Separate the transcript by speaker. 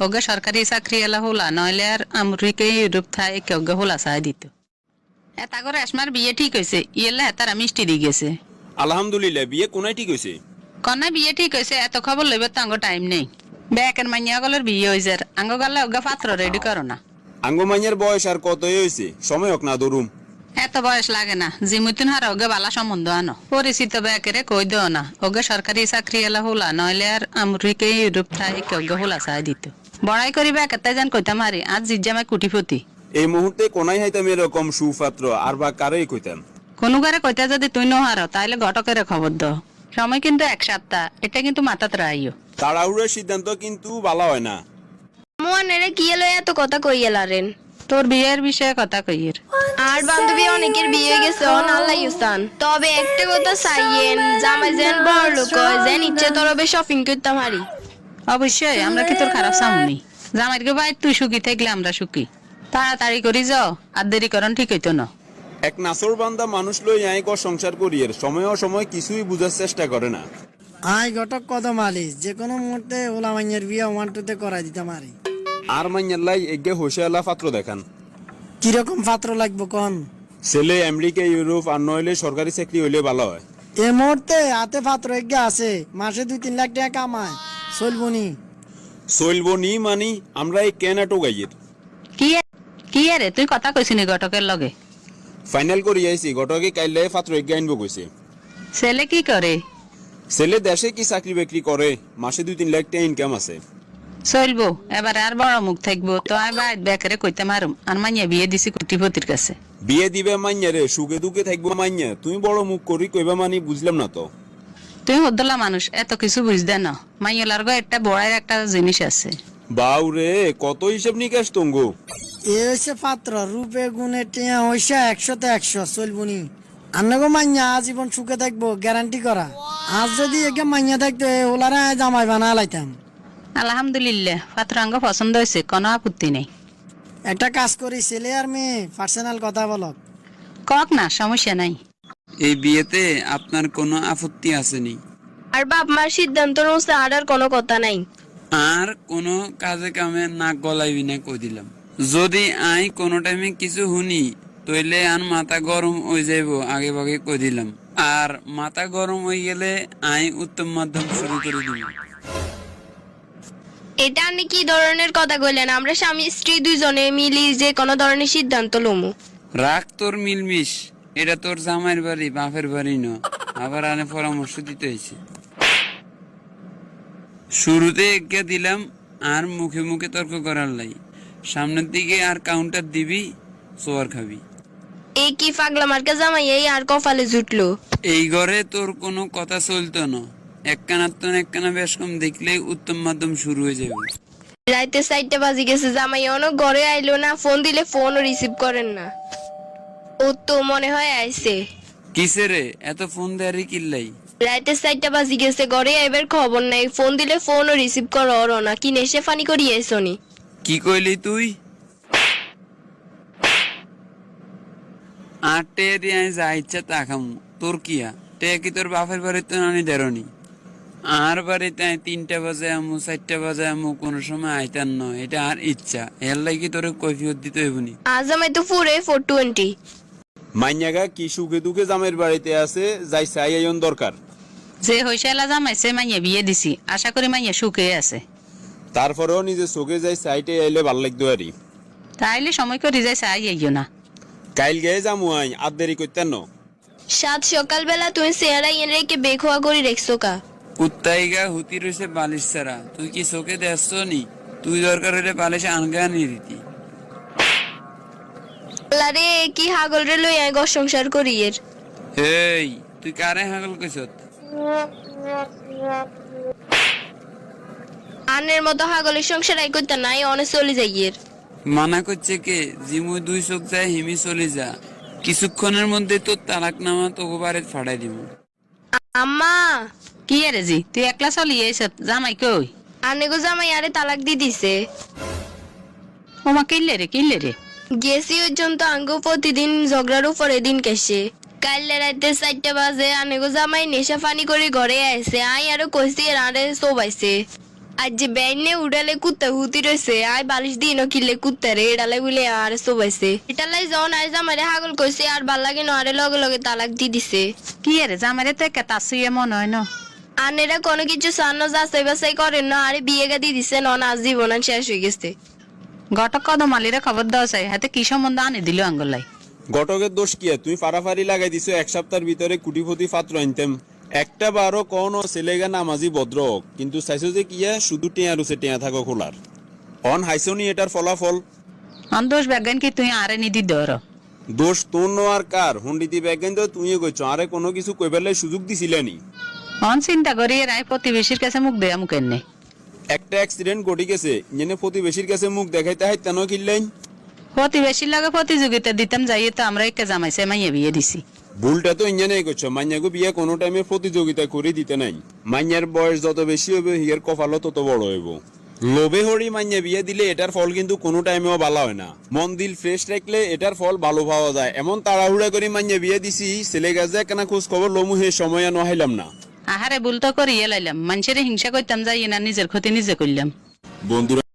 Speaker 1: ওগে সরকারি চাকরি এলা হলা নইলে আর আমরিকে ইউরোপ থাই কেউগে হলা চাই দিত এটা করে আসমার বিয়ে ঠিক হয়েছে ইয়েলা হেতার মিষ্টি দি গেছে
Speaker 2: আলহামদুলিল্লাহ বিয়ে কোনায় ঠিক হয়েছে
Speaker 1: কন্যা বিয়ে ঠিক হয়েছে এত খবর লইবে তো আঙ্গ টাইম নেই বেকের মাইয়া গলের বিয়ে হয়েছে আঙ্গ গালে ওগে পাত্র রেডি করো না
Speaker 2: আঙ্গমাইয়ের বয়স আর কতই হয়েছে সময় হোক না দরুম
Speaker 1: এত বয়স লাগে না জিমুতিন হার ওগে বালা সম্বন্ধ আনো পরিচিত বেকেরে কই দেও না ওগে সরকারি চাকরি এলা হলা নইলে আর আমরিকে ইউরোপ থাই কেউগে হলা চাই দিত বড়াই করি বেকেতে যেন কইতাম হারি আজ জিজ্জামাই কুটিপতি
Speaker 2: এই মুহূর্তে কোনায় হাইতাম এরকম সুপাত্র আর বা কারই কইতাম
Speaker 1: কোনো গারে কইতে যদি তুই নহার তাইলে ঘটকের খবর দ সময় কিন্তু 1 সপ্তাহ এটা কিন্তু মাথাতে রাইও
Speaker 2: তাড়াহুড়োর সিদ্ধান্ত কিন্তু ভালো হয় না
Speaker 3: মোয়ানেরে কি এলো এত কথা কইয়েলারেন
Speaker 1: তোর বিয়ের বিষয়ে কথা কইয়ের
Speaker 3: আর বান্ধবী অনেকের বিয়ে হয়ে গেছে অন আল্লাহ ইউসান তবে একটা কথা চাইয়েন জামাই যেন বড় লোক হয় যেন ইচ্ছে তরবে শপিং করতাম হারি
Speaker 1: অবশ্যই আমরা কি তোর খারাপ চামুনি জামাইকে ভাই তুই সুখী থাকলে আমরা সুখী তাড়াতাড়ি করি যাও আর দেরি করন ঠিক হইতো না
Speaker 2: এক নাসর বান্দা মানুষ লই আয় কর সংসার করিয়ের সময় অসময় কিছুই বুঝার চেষ্টা করে না
Speaker 4: আই ঘটক কদম আলি যে কোনো মুহূর্তে ওলা মাইয়ের বিয়ে 1-2 করাই দিতাম আরি
Speaker 2: আর মাইয়াল্লাই এগে হোসেলা পাত্র দেখান
Speaker 4: কিরকম পাত্র লাগবো কোন
Speaker 2: ছেলে আমেরিকা ইউরোপ আর নইলে সরকারি চাকরি হইলে ভালো হয়
Speaker 4: এ মুহূর্তে হাতে পাত্র এগে আছে মাসে 2-3 লাখ টাকা কামায় চলবনি
Speaker 2: চলবো নি মানি আমরা এই কেনাটো গাইয়ের
Speaker 1: কি রে তুই কথা কইছিনি ঘটকের লগে
Speaker 2: ফাইনাল করি আইছি গটকে কাইলে পাত্র এগে আনবো কইছে
Speaker 1: ছেলে কি করে
Speaker 2: ছেলে দেশে কি চাকরি বাকরি করে মাসে 2-3 লাখ টাকা ইনকাম আছে
Speaker 1: চলবো এবারে আর বড় মুখ থাকবো তো আমি বাইর বেকারে কইতে মারুম আর মাইয়া বিয়ে দিছি কুটিপতির কাছে
Speaker 2: বিয়ে দিবে মাইয়া রে সুখে দুঃখে থাকবো মাইয়া তুমি বড় মুখ করি কইবা মানি বুঝলাম না তো
Speaker 1: তুই হদ্দলা মানুষ এত কিছু বুঝদে না মাইয়ালার গো একটা বড়ার একটা জিনিস আছে
Speaker 2: বাউ রে কত হিসাব নিকাশ তঙ্গু
Speaker 4: এ হইছে পাত্র রূপে গুণে টিয়া হইছে 100-তে 100 চলবনি আন্নাগো মাইয়া আজীবন সুখে থাকবো গ্যারান্টি করা আজ যদি একে মাইয়া থাকতো ওলারা জামাই বানা লাইতাম
Speaker 1: আলহামদুলিল্লাহ পাত্রাঙ্গ পছন্দ হয়েছে কোনো আপত্তি নেই
Speaker 4: একটা কাজ করি ছেলে আর মেয়ে পার্সোনাল কথা বলক
Speaker 1: কক না সমস্যা নাই
Speaker 5: এই বিয়েতে আপনার কোনো আপত্তি আসেনি
Speaker 3: আর বাপ মার সিদ্ধান্ত অনুসারে আর কোনো কথা নাই
Speaker 5: আর কোনো কাজে কামে নাক গলাইবি না কই দিলাম যদি আই কোনো টাইমে কিছু শুনি তইলে আর মাথা গরম হয়ে যাইব আগে ভাগে কই দিলাম আর মাথা গরম হয়ে গেলে আই উত্তম মাধ্যম শুরু করে দিব
Speaker 3: এটা আপনি কি ধরনের কথা কইলেন আমরা স্বামী স্ত্রী দুইজনে মিলি যে কোনো ধরনের সিদ্ধান্ত লমু
Speaker 5: রাখ তোর মিলমিশ এটা তোর জামাইয়ের বাড়ি বাপের বাড়ি ন আবার আনে পরামর্শ দিতে হয়েছে শুরুতে একে দিলাম আর মুখে মুখে তর্ক করার লাই সামনের দিকে আর কাউন্টার দিবি সোয়ার খাবি
Speaker 3: এই কি পাগলা মার্কা জামাই এই আর কপালে জুটলো
Speaker 5: এই ঘরে তোর কোনো কথা চলতো না একখানা বেশ কম দেখলেই উত্তম মাধ্যম শুরু হয়ে যাবে
Speaker 3: রাইতে 4টা বাজে গেছে জামাই অনেক ঘরে আইলো না ফোন দিলে ফোনও রিসিভ করেন না ও তো মনে হয় আইছে
Speaker 5: কিসে রে এত ফোন দেয়ারি কিল্লাই
Speaker 3: রাইতে 4টা বাজে গেছে ঘরে আইবার খবর নাই ফোন দিলে ফোনও রিসিভ করো না কি নেশে ফানি করি আইছনি
Speaker 5: কি কইলি তুই আর টে দিয়ে যা ইচ্ছা তা খামু তোর কিয়া টে কি তোর বাপের বাড়িতে নানি দেরনি আর বাড়িতে 3টা বাজে আমু 4টা বাজে আমু কোন সময় আইতার নয় এটা আর ইচ্ছা এর লাগি তোর কৈফিয়ত দিতে হইবনি
Speaker 3: আজ আমি তো পুরে 420
Speaker 2: মাইয়াগা কি সুখে দুঃখে জামের বাড়িতে আছে যাই চাই আইন দরকার
Speaker 1: যে হইসালা জামাইছে মাইয়া বিয়ে দিছি আশা করি মাইয়া সুখে আছে
Speaker 2: তারপরেও নিজে চোখে যাই সাইটে আইলে ভাল লাগতো আরি
Speaker 1: তাইলে সময় করে যাই চাই আইও না
Speaker 2: কাইল গে যামু আই আর দেরি করতেন না
Speaker 3: সাত সকালবেলা তুমি চেহারা এনে রেখে বেখোয়া করে রেখছো কা
Speaker 5: কুত্তাইগা হুতি রয়েছে বালিশ ছাড়া তুই কি চোখে দেখছ নি তুই দরকার হলে বালিশ আনগা নিয়ে দিতি
Speaker 3: আরে কি হাগল রে লই আই ঘর সংসার করি এর
Speaker 5: হেই তুই কারে হাগল কইছত
Speaker 3: আনের মতো হাগলের সংসার আই করতে নাই অনেক চলে যাই এর
Speaker 5: মানা করছে কে জিমু 2 চোখ যায় হিমি চলে যা কিছুক্ষণের মধ্যে তোর তালাকনামা তোকে বাড়ি ফাড়াই দিব
Speaker 3: আম্মা
Speaker 1: কি রে জি তুই একলা চলি এসে জামাই কই
Speaker 3: আনে গো জামাই আরে তালাক দি দিছে
Speaker 1: ওমা কিনলে রে
Speaker 3: গেছি ওই জন্য তো আঙ্গ প্রতিদিন ঝগড়ার উপরে দিন কেসে কাল রাতে 4টা বাজে আনে গো জামাই নেশা ফানি করে ঘরে আইছে আই আরো কইছি আরে সোবাইছে আজ যে বেইনে উড়ালে কুত্তা হুতি রয়েছে আয় বালিশ দিন কিলে কুত্তা রে এডালে বলে আর সোবাইছে এটালাই যখন আজ আমারে হাগল কইছে আর ভাল লাগে না আরে লগে লগে তালাক দি দিছে
Speaker 1: কি রে জামাইরে তো একটা তাসুয়ে মনে হয় না
Speaker 3: আনেরা কোনো কিছু সান্ন যাচাই বাছাই করেন না আরে বিয়ে গা দি দিছে নন আজ জীবন শেষ হয়ে গেছে
Speaker 1: ঘটক কদম আলীরে খবর দেওয়া চাই হাতে কি সম্বন্ধ আনি দিল আঙ্গুলাই
Speaker 2: ঘটকের দোষ কি তুই ফাড়াফাড়ি লাগাই দিছো 1 সপ্তাহের ভিতরে কুটিপতি পাত্র আনতেম একটা বারো কোন ছেলেগা নামাজি ভদ্র হোক, কিন্তু চাইছো যে কিয়া শুধু টেয়া রুছে টেয়া থাকো খোলার অন হাইছনি এটার ফলাফল
Speaker 1: অন দোষ ব্যাগান কি তুই আরে নিদি দর
Speaker 2: দোষ তোর নো আর কার হুন্ডিতি ব্যাগেন তো তুই কইছ আরে কোনো কিছু কইবার সুযোগ দিছিলেনি
Speaker 1: অন চিন্তা করি রায় প্রতিবেশীর কাছে মুখ দেয়া মুখেন নেই
Speaker 2: একটা অ্যাক্সিডেন্ট ঘটি গেছে ইঞ্জনে প্রতিবেশীর কাছে মুখ দেখাইতে হয় তেন কিনলেন
Speaker 1: প্রতিবেশীর লাগে প্রতিযোগিতা দিতাম যাইয়ে তো আমরা একটা জামাইছে মাইয়ে বিয়ে দিছি
Speaker 2: ভুলটা তো ইঞ্জনে করছো মাইয়াগো বিয়ে কোনো টাইমে প্রতিযোগিতা করে দিতে নাই মাইয়ার বয়স যত বেশি হবে হিয়ার কপালও তত বড় হইব লোভে হরি মাইয়া বিয়ে দিলে এটার ফল কিন্তু কোনো টাইমেও ভালো হয় না মন দিল ফ্রেশ রাখলে এটার ফল ভালো পাওয়া যায় এমন তাড়াহুড়া করে মাইয়া বিয়ে দিছি ছেলে গাছে কেনা খোঁজ খবর লমু হে সময় আর নহাইলাম না
Speaker 1: আহারে ভুল তো করিয়ে লাইলাম মানুষের হিংসা করতাম যাই না নিজের ক্ষতি নিজে করলাম
Speaker 2: বন্ধুরা